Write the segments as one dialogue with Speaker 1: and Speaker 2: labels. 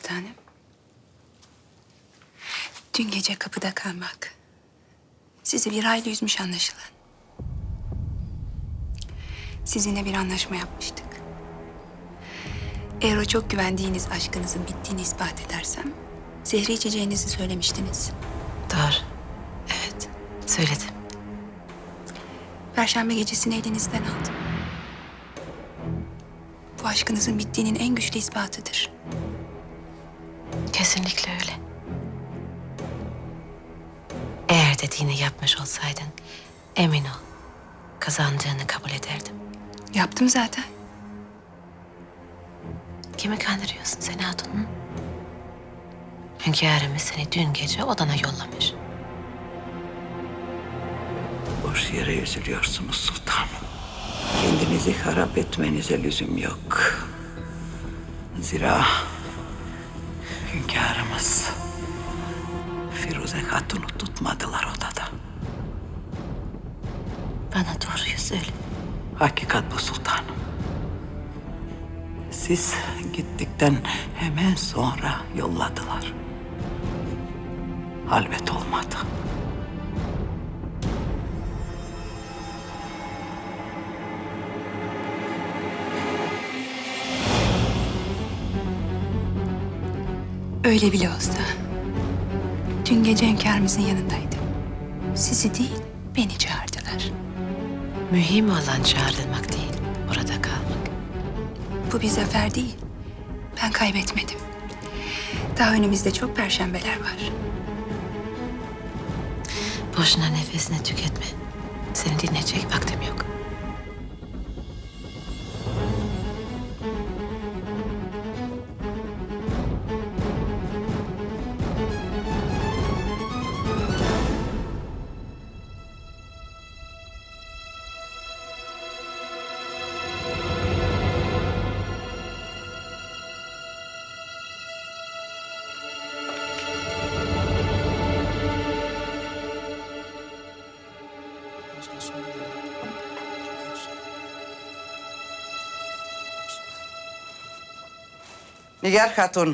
Speaker 1: sultanım. Dün gece kapıda kalmak sizi bir hayli üzmüş anlaşılan. Sizinle bir anlaşma yapmıştık. Eğer o çok güvendiğiniz aşkınızın bittiğini ispat edersem zehri içeceğinizi söylemiştiniz.
Speaker 2: Doğru. Evet, söyledim.
Speaker 1: Perşembe gecesini elinizden aldım. Bu aşkınızın bittiğinin en güçlü ispatıdır.
Speaker 2: Kesinlikle öyle. Eğer dediğini yapmış olsaydın, emin ol, kazandığını kabul ederdim.
Speaker 1: Yaptım zaten.
Speaker 2: Kimi kandırıyorsun sen hatunum? Hünkârımız seni dün gece odana yollamış.
Speaker 3: Boş yere üzülüyorsunuz sultanım. Kendinizi harap etmenize lüzum yok. Zira hünkârımız Firuze Hatun'u tutmadılar odada.
Speaker 2: Bana doğruyu söyle.
Speaker 3: Hakikat bu sultanım. Siz gittikten hemen sonra yolladılar. Halvet olmadı.
Speaker 1: Öyle bile olsa dün gece hünkârımızın yanındaydım. Sizi değil, beni çağırdılar.
Speaker 2: Mühim olan çağrılmak değil, orada kalmak.
Speaker 1: Bu bir zafer değil. Ben kaybetmedim. Daha önümüzde çok perşembeler var.
Speaker 2: Boşuna nefesini tüketme. Seni dinleyecek vaktim yok.
Speaker 3: Nigar Hatun.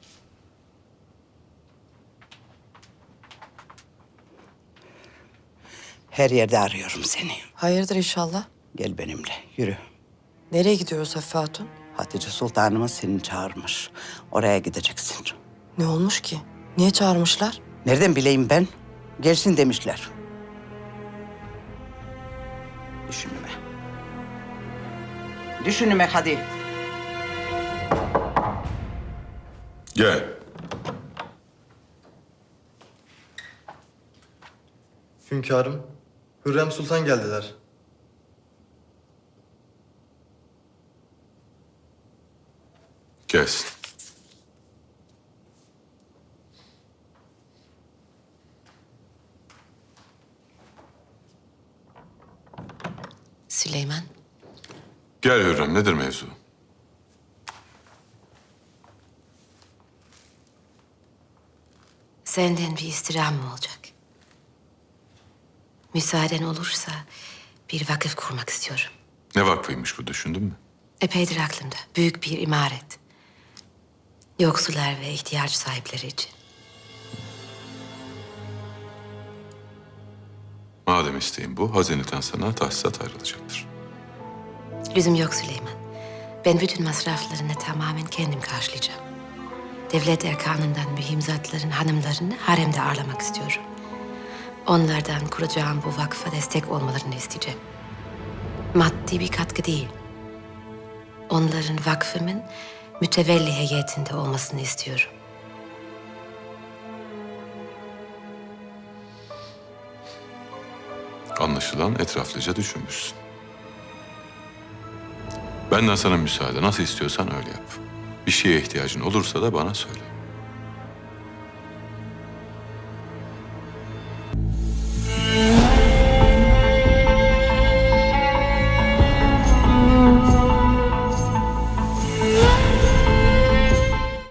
Speaker 3: Her yerde arıyorum seni.
Speaker 4: Hayırdır inşallah?
Speaker 3: Gel benimle, yürü.
Speaker 4: Nereye gidiyoruz Hafife Hatun?
Speaker 3: Hatice Sultanımız seni çağırmış. Oraya gideceksin.
Speaker 4: Ne olmuş ki? Niye çağırmışlar?
Speaker 3: Nereden bileyim ben? Gelsin demişler. Düşünme. Düşünme hadi.
Speaker 5: Gel.
Speaker 6: Hünkârım, Hürrem Sultan geldiler.
Speaker 5: Gelsin.
Speaker 2: Süleyman,
Speaker 5: Gel Hürrem, nedir mevzu?
Speaker 2: senden bir istirham olacak. Müsaaden olursa bir vakıf kurmak istiyorum.
Speaker 5: Ne vakfıymış bu, düşündün mü?
Speaker 2: Epeydir aklımda. Büyük bir imaret. Yoksullar ve ihtiyaç sahipleri için.
Speaker 5: Madem isteğin bu, hazineden sana tahsisat ayrılacaktır.
Speaker 2: Lüzum yok Süleyman. Ben bütün masraflarını tamamen kendim karşılayacağım. Devlet erkanından mühim zatların hanımlarını haremde ağırlamak istiyorum. Onlardan kuracağım bu vakfa destek olmalarını isteyeceğim. Maddi bir katkı değil. Onların vakfımın mütevelli heyetinde olmasını istiyorum.
Speaker 5: Anlaşılan etraflıca düşünmüşsün. Benden sana müsaade, nasıl istiyorsan öyle yap. Bir şeye ihtiyacın olursa da bana söyle.